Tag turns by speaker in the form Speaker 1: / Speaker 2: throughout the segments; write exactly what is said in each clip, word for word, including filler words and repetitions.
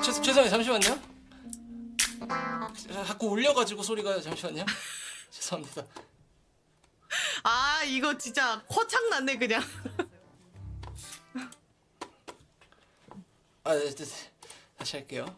Speaker 1: 죄, 죄송해요. 잠시만요. 자꾸 울려가지고 소리가. 잠시만요. 죄송합니다.
Speaker 2: 아 이거 진짜 허창 났네 그냥.
Speaker 1: 아, 네, 네, 네. 다시 할게요.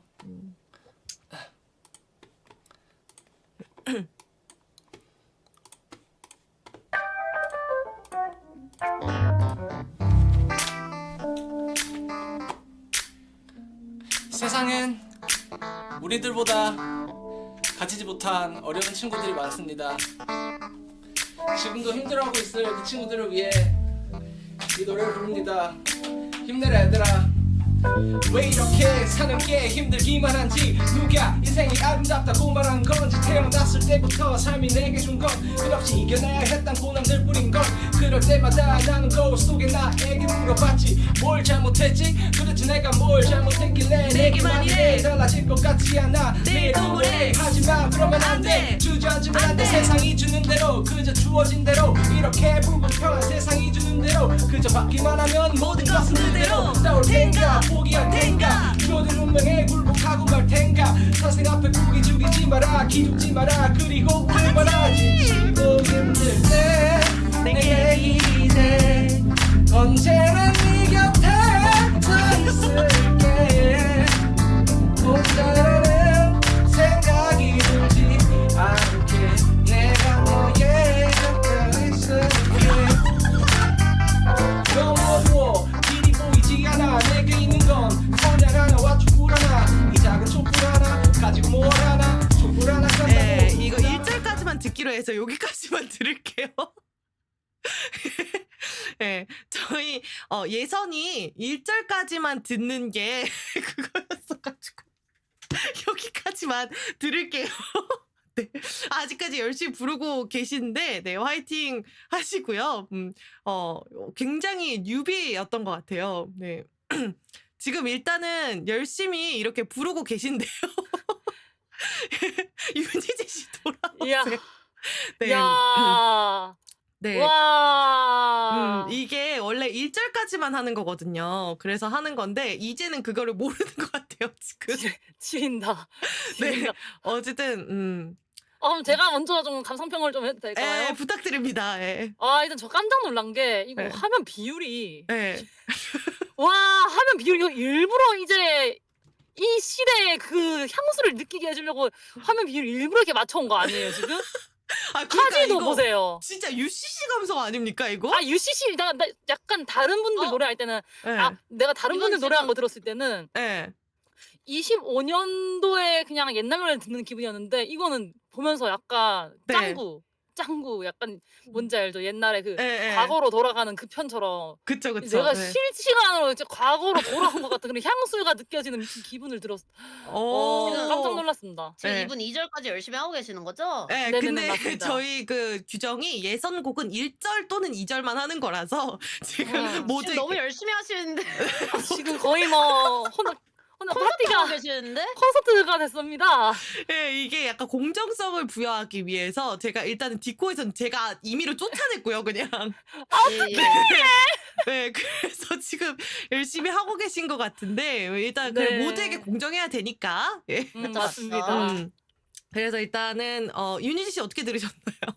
Speaker 1: 세상엔 우리들보다 가지지 못한 어려운 친구들이 많습니다. 지금도 힘들어하고 있을 그 친구들을 위해 이 노래를 부릅니다. 힘내라 얘들아. 왜 이렇게 사는 게 힘들기만 한지, 누가 인생이 아름답다고 말한 건지, 태어났을 때부터 삶이 내게 준 건 끝없이 이겨내야 했던 고난들 뿐인 걸. 그럴 때마다 나는 거울 속에 나에게 물어봤지, 뭘 잘못했지? 도대체 내가 뭘 잘못했길래 내게만 이래 달라질 것 같지 않아 매일 우울해. 하지만 그러면 안돼, 주저앉으면 안돼. 세상이 주는 대로, 그저 주어진 대로, 이렇게 불공평한 세상이 주는 대로 그저 받기만 하면 모든 것은 그대로 싸울 텐가 포기할 텐가, 주어진 운명에 굴복하고 말 텐가. 사생 앞에 구기 죽이지 마라, 기죽지 마라, 그리고 울지 마라. 지치고 힘들 때 내게 기대, 언제나 네 곁에 서 있을게. 혼자라는 생각이 들지 않게 내가 너의 곁에 있을게. 너무 어두워 길이 보이지 않아. 내게 있는 건 선약 하나와 촛불 하나. 이 작은 촛불 하나 가지고 뭘 하나. 촛불 하나 깐다고.
Speaker 2: 네 이거 일 절까지만 듣기로 해서 여기까지만 들을게요. 네, 저희 어, 예선이 일 절까지만 듣는 게 그거였어가지고 여기까지만 들을게요. 네, 아직까지 열심히 부르고 계신데, 네, 화이팅 하시고요. 음, 어, 굉장히 뉴비였던 것 같아요. 네. 지금 일단은 열심히 이렇게 부르고 계신데요. 윤희재 씨
Speaker 3: 이야.
Speaker 2: 돌아오세요. 네.
Speaker 3: 야.
Speaker 2: 네.
Speaker 3: 와.
Speaker 2: 음, 이게 원래 일 절까지만 하는 거거든요. 그래서 하는 건데, 이제는 그거를 모르는 것 같아요, 지금.
Speaker 3: 지린다.
Speaker 2: 네.
Speaker 3: 지린다.
Speaker 2: 어쨌든, 음.
Speaker 3: 어, 그럼 제가 먼저 좀 감상평을 좀 해도 될까요?
Speaker 2: 에, 부탁드립니다. 예.
Speaker 3: 아, 일단 저 깜짝 놀란 게 이거
Speaker 2: 네.
Speaker 3: 화면 비율이
Speaker 2: 예.
Speaker 3: 와, 화면 비율 이거 일부러 이제 이 시대의 그 향수를 느끼게 해주려고 화면 비율 일부러 이렇게 맞춰온 거 아니에요, 지금?
Speaker 2: 아, 그러니까
Speaker 3: 카지도
Speaker 2: 이거
Speaker 3: 보세요.
Speaker 2: 진짜 유씨씨 감성 아닙니까, 이거?
Speaker 3: 아, 유씨씨, 나, 나 약간 다른 분들
Speaker 4: 어?
Speaker 3: 노래할 때는,
Speaker 2: 예.
Speaker 3: 아, 내가 다른
Speaker 4: 이건
Speaker 3: 분들 노래한
Speaker 4: 지금-
Speaker 3: 거 들었을 때는
Speaker 2: 예.
Speaker 3: 이십오 년도에 그냥 옛날 노래 듣는 기분이었는데, 이거는 보면서 약간
Speaker 2: 네.
Speaker 3: 짱구, 짱구, 약간 뭔지 알죠? 옛날에 그
Speaker 2: 예, 예.
Speaker 3: 과거로 돌아가는 그 편처럼
Speaker 2: 그쵸, 그쵸.
Speaker 3: 내가
Speaker 2: 네.
Speaker 3: 실시간으로 이제 과거로 돌아온 것 같은 그런 향수가 느껴지는 미친 기분을 들었어. 어,
Speaker 2: 오.
Speaker 3: 깜짝 놀랐습니다.
Speaker 4: 지금
Speaker 2: 네.
Speaker 4: 이분 이 절까지 열심히 하고 계시는 거죠?
Speaker 2: 네,
Speaker 3: 네네네,
Speaker 2: 근데
Speaker 3: 맞습니다.
Speaker 2: 저희 그 규정이 예선곡은 일 절 또는 이 절만 하는 거라서 지금
Speaker 3: 음,
Speaker 2: 모두
Speaker 4: 지금 너무 열심히 하시는데
Speaker 3: 아, 지금 거의 뭐 혼자 혼자
Speaker 4: 콘서트 하고
Speaker 3: 파티가
Speaker 4: 계시는데?
Speaker 3: 콘서트가 됐습니다.
Speaker 2: 예, 이게 약간 공정성을 부여하기 위해서 제가 일단은 디코에선 제가 임의로 쫓아냈고요, 그냥.
Speaker 4: 예, 예.
Speaker 2: 네, 그래서 지금 열심히 하고 계신 것 같은데 일단 그
Speaker 3: 네.
Speaker 2: 모두에게 공정해야 되니까. 예.
Speaker 3: 음,
Speaker 4: 그쵸,
Speaker 3: 맞습니다.
Speaker 2: 음. 그래서 일단은 어, 윤희지 씨 어떻게 들으셨나요?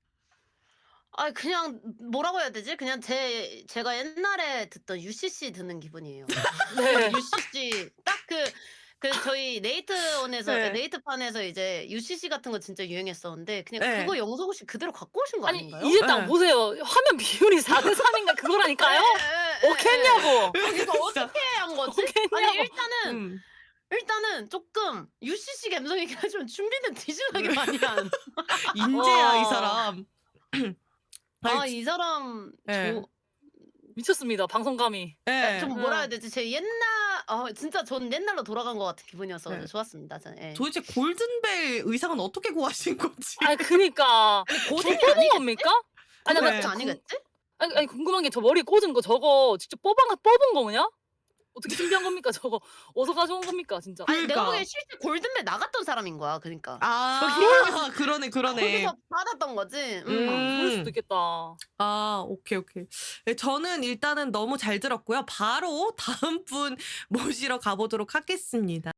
Speaker 4: 아 그냥 뭐라고 해야 되지? 그냥 제 제가 옛날에 듣던 유씨씨 듣는 기분이에요.
Speaker 3: 네.
Speaker 4: 유씨씨 딱 그 그 저희 네이트온에서
Speaker 2: 네.
Speaker 4: 네이트판에서 이제 유씨씨 같은 거 진짜 유행했었는데 그냥
Speaker 2: 네.
Speaker 4: 그거 영석 씨 그대로 갖고 오신 거
Speaker 3: 아니
Speaker 4: 아닌가요?
Speaker 3: 이제 딱
Speaker 2: 네.
Speaker 3: 보세요. 화면 비율이 사 대 삼인가 그거라니까요?
Speaker 4: 예, 예, 예,
Speaker 3: 어겠냐고.
Speaker 4: 예. 이거
Speaker 2: 진짜.
Speaker 4: 어떻게 한 거지?
Speaker 3: 어떡했냐고.
Speaker 4: 아니 일단은
Speaker 2: 음.
Speaker 4: 일단은 조금 유씨씨 감성이긴 하지만 준비는 디지털하게 많이 한.
Speaker 2: 인재야
Speaker 3: 와.
Speaker 2: 이 사람.
Speaker 4: 아
Speaker 2: 아니,
Speaker 4: 이 사람
Speaker 2: 네.
Speaker 4: 저,
Speaker 3: 미쳤습니다. 방송감이.
Speaker 2: 예.
Speaker 4: 좀 뭐라 해야 되지? 제 옛날 어 진짜 전 옛날로 돌아간 것 같은 기분이어서
Speaker 2: 네.
Speaker 4: 좋았습니다. 저, 예.
Speaker 2: 도대체 골든벨 의상은 어떻게 구하신 건지.
Speaker 3: 아 그니까
Speaker 4: 고딩이
Speaker 3: 뽑은
Speaker 4: 아니겠지?
Speaker 3: 겁니까? 아니
Speaker 2: 네.
Speaker 3: 나
Speaker 4: 그거 아니겠지?
Speaker 3: 아니, 아니 궁금한 게 저 머리 꽂은 거 저거 직접 뽑은 거 뽑은 거냐? 어떻게 준비한 겁니까? 저거 어디서 가져온 겁니까 진짜?
Speaker 4: 아니 내가
Speaker 2: 그러니까.
Speaker 4: 보기엔 실제 골든벨 나갔던 사람인 거야. 그러니까
Speaker 2: 아, 그러네, 그러네.
Speaker 4: 거기서 받았던 거지. 음.
Speaker 2: 음.
Speaker 3: 그럴 수도 있겠다.
Speaker 2: 아, 오케이, 오케이. 네, 저는 일단은 너무 잘 들었고요. 바로 다음 분 모시러 가보도록 하겠습니다.